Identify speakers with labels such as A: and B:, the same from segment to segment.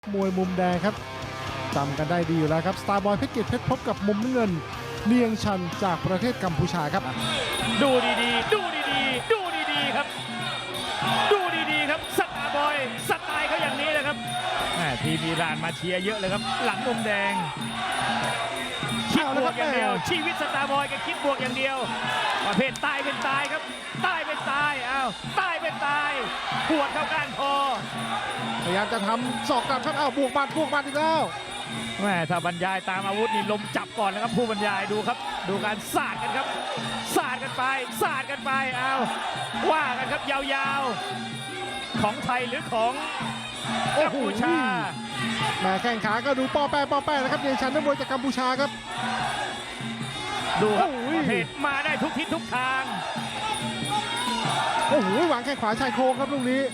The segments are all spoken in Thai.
A: มวยมุมแดงครับจำกันได้ดีอยู่แล้วครับสตาร์บอยเพชรเกียรติเพชรพบกับมุมน้ำเงินเลียงชันจากประเทศกัมพูชาครับ
B: ดูดีๆดูดีๆดูดีๆครับดูดีๆครับสตาร์บอยสไตล์เขาอย่างนี้นะครับทีมอิหร่านมาเชียร์เยอะเลยครับหลังมุมแดงคิดบวกอย่างเดียวชีวิตสตาร์บอยก็คิดบวกอย่างเดียวประเภทตายเป็นตายครับตายเป็นตายอ้าวตายเป็นตายปวดเข้าก้านคอ
A: พยายามจะทำศอกกลับครับอ้าวบวกบัดอีกแล้ว
B: แม่ถ้าบรรยายตามอาวุธนี่ลมจับก่อนนะครับผู้บรรยายดูครับดูการสาดกันครับสาดกันไปสาดกันไปเอาว่ากันครับยาวๆของไทยหรือของกัมพูชา
A: แม่แข้งขาก็ดูป้อแป้นะครับเลียงชันนักมวยจากกัมพูชาครับ
B: ดูครับเหตุมาได้ทุกทิศทุกทาง
A: โอ้โหหวังแข้งขวาชายโครงครับลูกนี้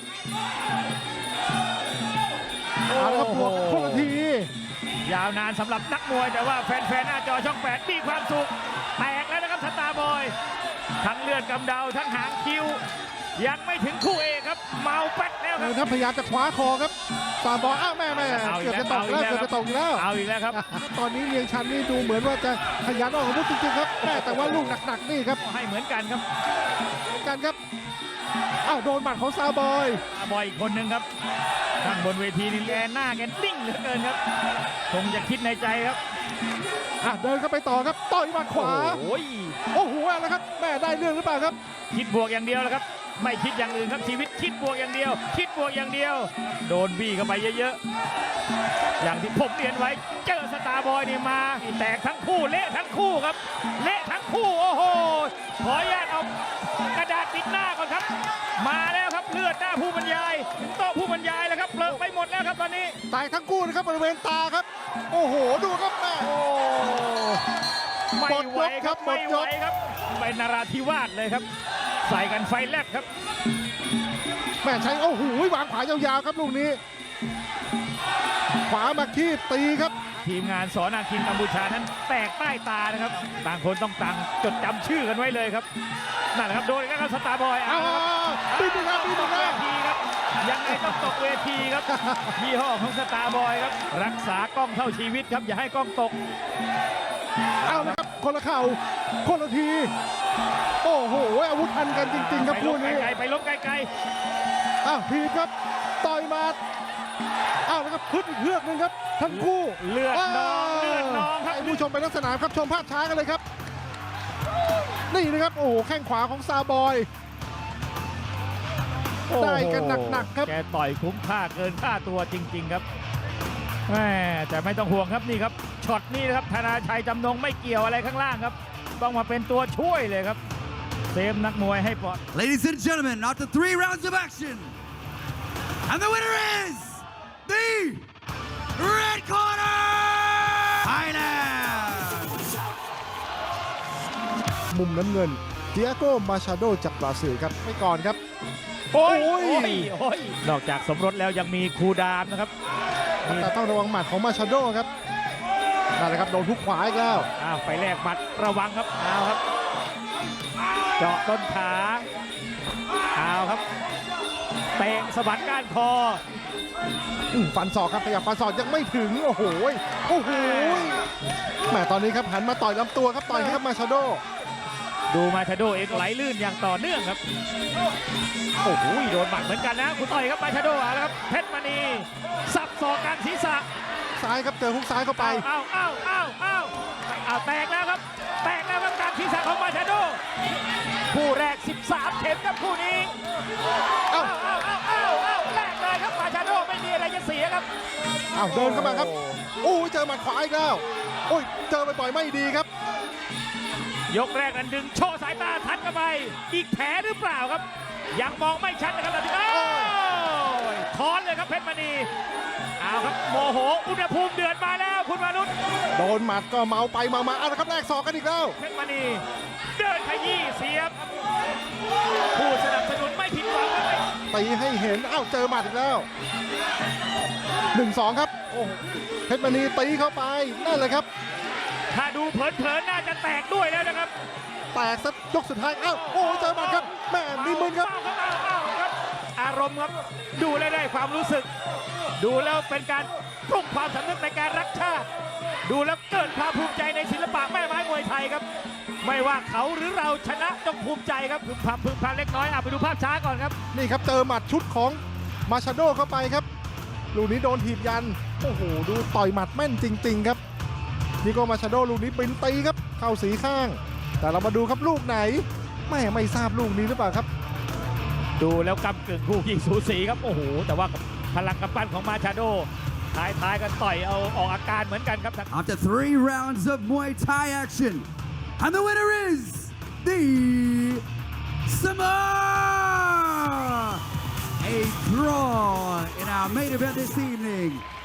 A: เอาละครับบวกคนละที
B: ยาวนานสำหรับนักมวยแต่ว่าแฟนๆหน้าจอช่อง8มีความสุขแตกแล้วนะครับสตาร์บอยทั้งเลือดกำเดาทั้งหางคิ้วยังไม่ถึงคู่เอกครับเมาแป๊ดแล้ว
A: ครับพยายามจะคว้าคอครับสตาร์บอยอ้าวแม่เกือบจะตกแล้ว
B: เอาอีกแล้วครับ
A: ตอนนี้เลียงชันนี่ดูเหมือนว่าจะขยันออกอาวุธจริงๆครับแต่ว่าลูกหนักๆนี่ครับ
B: ให้เหมือนกันครับ
A: อ้าวโดนหมัดของสตาร์บอย
B: อีกคนหนึ่งครับข้างบนเวทีนี่แกหน้าแกนิ่งเหลือเกินครับคงจะคิดในใจครับ
A: เดินเข้าไปต่อครับต่อยหมัดขวาโอ้โหแล้วครับแม่ได้เรื่องหรือเปล่าครับ
B: คิดบวกอย่างเดียวแล้วครับไม่คิดอย่างอื่นครับชีวิตคิดบวกอย่างเดียวคิดบวกอย่างเดียวโดนบี้เข้าไปเยอะๆอย่างที่ผมเรียนไว้เจอสตาร์บอยนี่มาแตกทั้งคู่เละทั้งคู่ครับเละทั้งคู่โอ้โหขออนุญาตเอากระดาษปิดหน้าก่อนครับมาแล้วครับเลือดหน้าผู้บรรยายถึงโต๊ะผู้บรรยายแล้วครับเปลือกไปหมดแล้วครับตอนนี้
A: แตกทั้งคู่นะครับบริเวณตาครับโอ้โหดูครับแม่โอ้
B: ไม่ไหวครับไม่ไหวครับไปนราธิวาสเลยครับใส่กันไฟแลบครับ
A: แม่ใช้โอ้โหวางขวายาวๆครับลูกนี้ขวามาคีบตีครับ
B: ทีมงานสอนาคินกัมพูชานั้นแตกใต้ตานะครับต่างคนต้องต่างจดจำชื่อกันไว้เลยครับนั่นแหละครับโดนอีกแล้วครับสตาร์บอย
A: บินครับ
B: ยังไงต้องตกเวทีครับยี่ห้อของสตาร์บอยครับรักษากล้องเท่าชีวิตครับอย่าให้กล้องตก
A: เอาละครับคนละเข่าคนละทีโอ้โหอาวุธทันกันจริงๆครับคู่นี้
B: ไปล้มไกล
A: ทีครับต่อยมาแล้วครับพึ่งเลือกนึงครับทั้งคู่
B: เลือดน้องครับ
A: ผู้ชมไปลักษณะครับชมภาพช้ากันเลยครับนี่นะครับโอ้โหแข้งขวาของซาบอยได้กันหนักๆครับ
B: แกต่อยคุ้มค่าเกินค่าตัวจริงๆครับแม่แต่ไม่ต้องห่วงครับนี่ครับช็อตนี้นะครับธนาชัยจำนงไม่เกี่ยวอะไรข้างล่างครับต้องมาเป็นตัวช่วยเลยครับเซฟนักมวยให้ปลอด
C: Ladies and gentlemen, after 3 rounds of action, and the winner is the Red Corner Thailand
A: มุมน้ำเงินเตียโกมาชาโดจากบราซิลครับไปก่อนครับ
B: โอ้ยนอกจากสมรสแล้วยังมีคูดามนะครับ
A: แต่ต้องระวังหมัดของมาชาโดครับนั่นแหละครับโดนทุกขวาอีกแล้ว
B: ไปแลกหมัดระวังครับเอาครับเจาะต้นขาเอาครับเตะสะบัดก้านคอ
A: ฟันศอกครับขยับฟันศอกยังไม่ถึงโอ้โหแหมตอนนี้ครับหันมาต่อยลำตัวครับต่อยครับมาชาโด
B: ดูมาชาโดเองไหลลื่นอย่างต่อเนื่องครับโอ้โหโดนหมัดเหมือนกันนะคุณต่อยครับมาชาโดแล้วครับเพชรมณีสับศอกกลางศีรษะ
A: ซ้ายครับเจอฮุกซ้ายเข้าไป
B: แตกแล้วครับกลางศีรษะของมาชาโดคู่แรก13เข็มครับคู่นี้แรกเลยครับมาชาโดไม่มีอะไรจะเสียครับ
A: เดินเข้ามาครับเจอหมัดขวาอีกแล้วเจอไปปล่อยไม่ดีครับ
B: ยกแรกนั้นดึงโชว์สายตาทัดเข้าไปอีกแผลหรือเปล่าครับยังมองไม่ชัดนะครับตอนนี้ถอนเลยครับเพชรมณีเอาครับโมโหอุณหภูมิเดือดมาแล้วคุณวารุษ
A: โดนหมัดก็เมาไปเมามาเอาละครับแรกศอกกันอีกแล้ว
B: เพชรมณีเดินขยี้เสียบผู้สนับสนุนไม่ผิดหวังเลย
A: ตีให้เห็นเจอหมัดอีกแล้ว 1-2 ครับเพชรมณีตีเข้าไปนั่นเลยครับ
B: ถ้าดูเผินๆน่าจะแตกด้วยแล้วนะครับ
A: แตกสักยกสุดท้ายเจอหมัดครับแม่มีมึนครับ
B: อารมณ์ครับดูได้ความรู้สึกดูแล้วเป็นการปลุกความสำนึกในการรักชาติ ดูแล้วเกิดความภูมิใจในศิลปะแม่ไม้มวยไทยครับ ไม่ว่าเขาหรือเราชนะต้องภูมิใจครับพึมพำเล็กน้อยไปดูภาพช้าก่อนครับ
A: นี่ครับเจอหมัดชุดของมาชาโดเข้าไปครับลูกนี้โดนถีบยันโอ้โหดูต่อยหมัดแม่นจริงๆครับนี่ก็มาชาโดลูกนี้บินตีครับเข้าสีข้าง แต่เรามาดูครับลูกไหนไม่ทราบลูกนี้หรือเปล่าครับ
B: ดูแล้วกำกึ่งคู่ขี้สูสีครับโอ้โหแต่ว่าพลังกำปั้นของมาชาโดท้ายกันต่อยเอาออกอาการเหมือนกันครับ
C: After 3 rounds of Muay Thai action, and the winner is the Samar. A draw in our main event this evening.